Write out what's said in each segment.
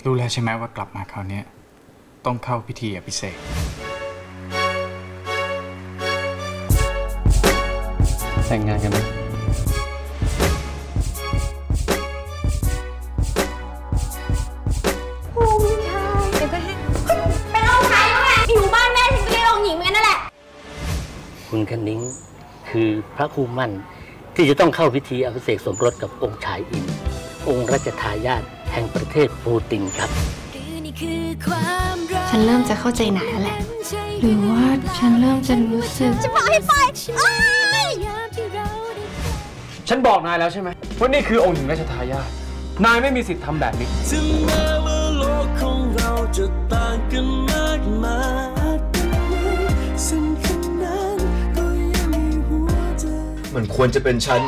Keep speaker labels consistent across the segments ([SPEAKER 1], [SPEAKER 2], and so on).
[SPEAKER 1] รู้แล้วใช่ไหมว่ากลับมาคราวนี้ต้องเข้าพิธีอภิเษกแต่งงานกันไหม
[SPEAKER 2] ผู้ชายเดี๋ยวก็ให้เป็นองค์ชายแล้วไงอยู่บ้านแม่ฉันก็เรียกองค์หญิงเหมือนกันนั่นแหละ
[SPEAKER 3] คุณคณิ้งคือพระคู่มั่นที่จะต้องเข้าพิธีอภิเษกสมรสกับองค์ชายอินองค์รัชทายาทแห่งประเทศปูตินครับ
[SPEAKER 4] ฉันเริ่มจะเข้าใจนายแล้วแหละหรือว่าฉันเริ่มจะรู้สึก
[SPEAKER 2] จะบอกให้ไป
[SPEAKER 1] ฉันบอกนายแล้วใช่ไหมว่านี่คือองค์หญิงราชทายาทนายไม่มีสิทธิ์ทำแบบนี้
[SPEAKER 5] ถึงแม้ว่าโลกของเราจะต่างกันมากมายสิ่งนั้นก็ยังมีหัวใจมันควรจะเป็นฉัน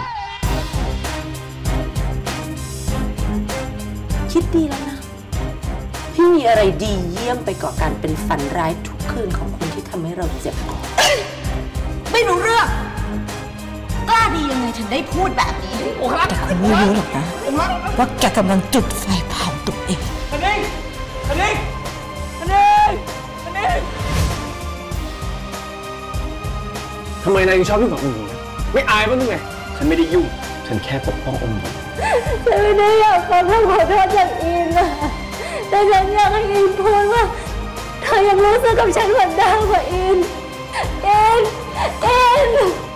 [SPEAKER 6] คิดดีแล้วนะพี่มีอะไรดีเยี่ยมไปกว่าการเป็นฝันร้ายทุกคืนของคนที่ทำให้เราเจ็บปวด
[SPEAKER 2] ไม่รู้เรื่องกล้าดียังไงถึงได้พูดแบบนี้โอ้โห
[SPEAKER 6] แต่ไม่รู้หรอกนะว่าแกกำลังจุดไฟเผาตัวเอง
[SPEAKER 1] ทำไมนายยังชอบยุ่งกับองค์หญิงไม่อายบ้างไงฉันไม่ได้ยุ่งฉันแค่ปกป้ององค์หญิง
[SPEAKER 2] ฉันไม่ได้อยากฟังคำขอโทษจากอินนะแต่ฉันอยากให้อินพูดว่าเธอยังรู้สึกกับฉันเหมือนเดิมกว่าอิน